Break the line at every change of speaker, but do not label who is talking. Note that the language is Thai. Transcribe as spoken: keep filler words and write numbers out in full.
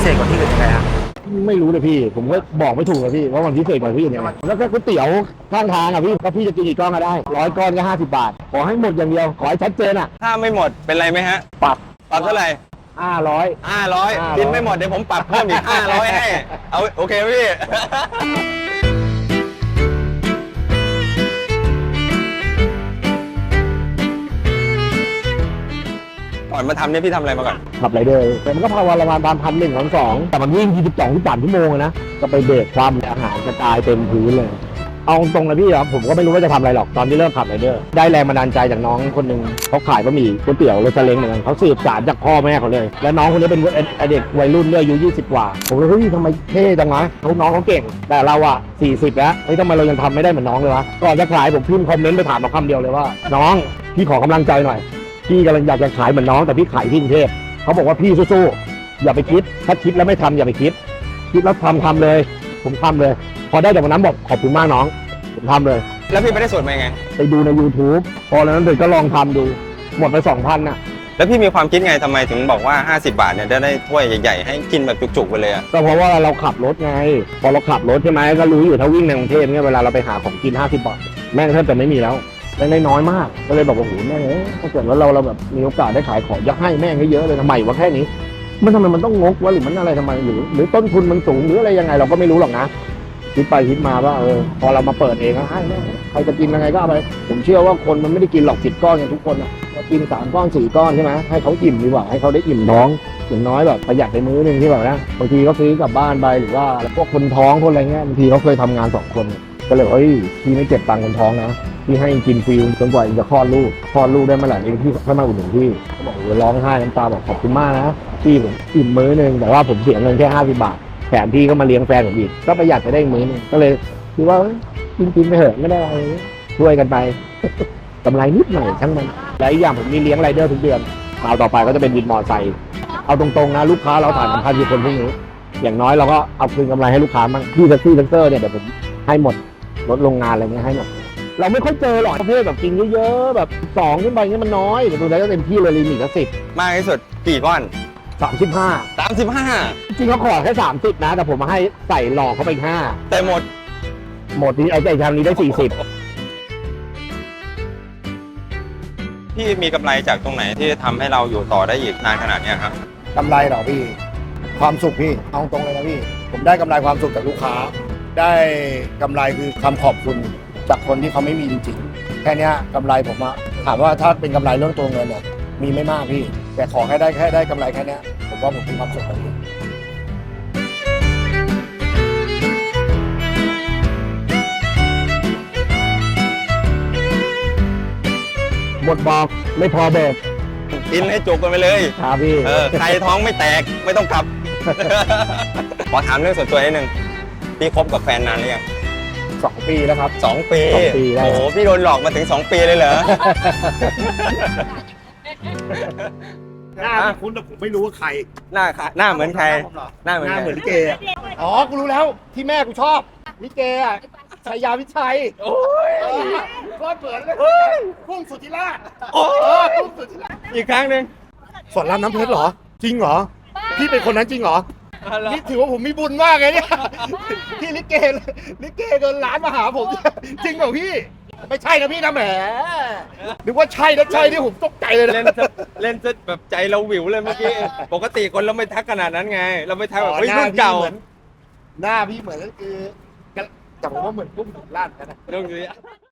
เศษกว่าที่อื่นยังไงฮะ
ไม่รู้เลยพี่ผมก็บอกไม่ถูกเลยพี่ว่ามันพิเศษกว่าที่อื่นยังไงแล้วก็ก๋วยเตี๋ยวข้างทางอ่ะพี่ก็พี่จะกินกี่ก้อนก็ได้ร้อยก้อนก็ห้าสิบบาทขอให้หมดอย่างเดียวขอให้ชัดเจนอ่ะ
ถ้าไม่หมดเป็นไรไหมฮะ
ปรับ
ปรับเท่าไหร่
ห้าร้อย
ห้าร้อยกินไม่หมดเดี๋ยวผมปรับเพิ่มอีกห้าร้อยให้เอาโอเคพี่ก่อนมาทำเนี่ยพี่ทำอะไรมาก่อน
ขับไรเดอร์แต่มันก็พาวันละประมาณพันหนึ่งพันสองแต่มันวิ่งที่สิบสองที่สามชั่วโมงนะก็ไปเบรกความอาหารกระจายเต็มพื้นเลยเอาตรงนะพี่ครับผมก็ไม่รู้ว่าจะทำอะไรหรอกตอนที่เริ่มขับไรเดอร์ได้แรงบันดาลใจจากน้องคนหนึ่งเขาขายบะหมี่ก๋วยเตี๋ยวรถซาเล้งเหมือนกันเขาสืบสานจากพ่อแม่เขาเลยและน้องคนนี้เป็นเด็กวัยรุ่นด้วยอายุยี่สิบกว่าผมเลยเฮ้ยทำไมเท่จังวะน้องเขาเก่งแต่เราอะสี่สิบแล้วเฮ้ยทำไมเรายังทำไม่ได้เหมือนน้องเลยวะก่อนจะขายผมพิมพ์คอมเมนต์ไปถามมาคำเดียวเลยว่าน้องพี่ขอกำลังใจหน่อยพี่กำลังอยากจะขายเหมือนน้องแต่พี่ขายที่กรุงเทพเขาบอกว่าพี่สู้ๆอย่าไปคิดถ้าคิดแล้วไม่ทำอย่าไปคิดคิดแล้วทำทำเลยผมทำเลยพอได้จากวันนั้นบอกขอบคุณมากน้องผมทำเลย
แล้วพี่ไม่ได้สูตรมาไง
ไปดูใน YouTube พอแล้วนั้นเด็กก็ลองทำดูหมดไป สองพัน น่ะ
แล้วพี่มีความคิดไงทำไมถึงบอกว่าห้าสิบบาทเนี่ยได้ได้ถ้วยใหญ่ๆให้กินแบบจุกๆไปเลยอ่ะ
ก็เพราะว่าเราขับรถไงพอเราขับรถใช่ไหมก็รู้อยู่ถ้าวิ่งในกรุงเทพเนี่ยเวลาเราไปหาของกินห้าสิบบาทแม่งแทบจะไม่มีแล้วได้น้อยมากก็เลยบอกว่าโอ้โหแม่งถ้าเกิดว่าเราเราแบบมีโอกาสได้ขายของจะให้แม่งเยอะเลยทำไมวะแค่นี้มันทำไมมันต้องงกวะหรือมันอะไรทำไมหรือหรือต้นทุนมันสูงหรืออะไรยังไงเราก็ไม่รู้หรอกนะคิดไปคิดมาว่าเออพอเรามาเปิดเองก็ให้แม่ใครจะกินยังไงก็เอาไปผมเชื่อว่าคนมันไม่ได้กินหรอกสิบก้อนกันทุกคนอ่ะกินสามก้อนสี่ก้อนใช่ไหมให้เขาอิ่มดีกว่าให้เขาได้อิ่มท้องอย่างน้อยแบบประหยัดไปมื้อนึงที่แบบนะบางทีเขาซื้อกลับบ้านไปหรือว่าพวกคนท้องคนอะไรเงี้ยบางทีเขาเคยทำงานสองคนก็เลยเฮ้ยพี่ไม่เก็บตังค์คนท้องนะพี่ให้กินฟรีจนกว่าจะคลอดลูกคลอดลูกได้เมื่อไหร่เองพี่ค่อยมาอุดหนุนพี่เขาบอกโอ้ร้องไห้น้ำตาบอกขอบคุณมากนะพี่ผมอิ่มมื้อนึงแต่ว่าผมเสียเงินแค่ห้าสิบบาทแถมพี่ก็มาเลี้ยงแฟนผมอีกก็ประหยัดไปได้มื้อนึงก็เลยคิดว่ากินกินไปเถอะไม่ได้อะไรช่วยกันไปกำไรนิดหน่อยช่างมันและอีกอย่างผมมีเลี้ยงไรเดอร์ทุกเดือนคราวต่อไปก็จะเป็นวินมอเตอร์ไซค์เอาตรงๆนะลูกค้าเราถ่ายสัมภาษณ์คนพวกนี้อย่างน้อยเราก็เอาคืนกำไรให้ลูกค้าบ้างพี่แท็กซี่แท็กเตอร์เนี่ยเดี๋ยวผมให้หมดรถโรงงานอะไรเงี้ยให้หมดเราไม่ค่อยเจอหรอกประเภทแบบกินเยอะๆแบบสองขึ้นไปเนี่ยมันน้อยแต่ดูแล้วก็เต็มที่เลยลิมิตก็สิบ
มากที่สุดกี่ก้อน
สามสิบห้า
สามสิบห้า
จริงเขาขอแค่สามสิบนะแต่ผมมาให้ใส่หลอกเขาไปห้า
แต่หมด
หมดนี้ไอ้ไอ้ทางนี้ได้สี่สิบ
พี่มีกำไรจากตรงไหนที่ทำให้เราอยู่ต่อได้อีกนานขนาดนี้ครับ
กำไรเหรอพี่ความสุขพี่เอาตรงเลยนะพี่ผมได้กำไรความสุขจากลูกค้าได้กำไรคือคำขอบคุณจากคนที่เขาไม่มีจริงๆแค่นี้กำไรผมอะถามว่าถ้าเป็นกำไรเรื่องตัวเงินเนี่ยมีไม่มากพี่แต่ขอแค่ได้แค่ได้กำไรแค่นี้ผมว่าผมมีความสุขแล้วพี่
หมดบอกไม่พอเบิก
กินให้จุกกันไปเลย
ครับพี่
เออใครท้องไม่แตกไม่ต้องกลับ ขอถามเรื่องส่วนตัวนิดนึงพี่คบกับแฟนนานหรือยัง
สองปีแล้วครับ
สองปีโอ้โหพี่โดนหลอกมาถึงสองปีเลยเหรอ
หน้าคุ้นแต่ผมไม่รู้ว่าใคร
หน้าหน้าเหมือนใครหน้าเหมือน
หน้าเหมือนลิเกอ๋อกูรู้แล้วที่แม่กูชอบลิเกอ่ะชัยยาวิชัยโอ้ยก็เหมือนเลยพุ่งสุธิราชโอ้พุ่งสุธิราช
อีกครั้งหนึ่ง
สอนรามน้ำเพชรเหรอจริงเหรอพี่เป็นคนนั้นจริงเหรอนี่ถือว่าผมมีบุญมากเลยเนี่ยที่ลิเกลิเกเดินร้านมาหาผมจริงเหรอพี่ไม่ใช่นะพี่นะแหมนึกว่าใช่นะใช่ที่ผมตกใจเลยนะ
เล่นเล่นแบบใจเราวิวเลยเมื่อกี้ปกติคนเราไม่ทักขนาดนั้นไงเราไม่ทักแบบเฮ้ยรุ่นเก่า
หน้าพี่เหมือนก็คือแต่ผมว่าเหมือนพุ่งสุดล่างนะ
เรื่องนี้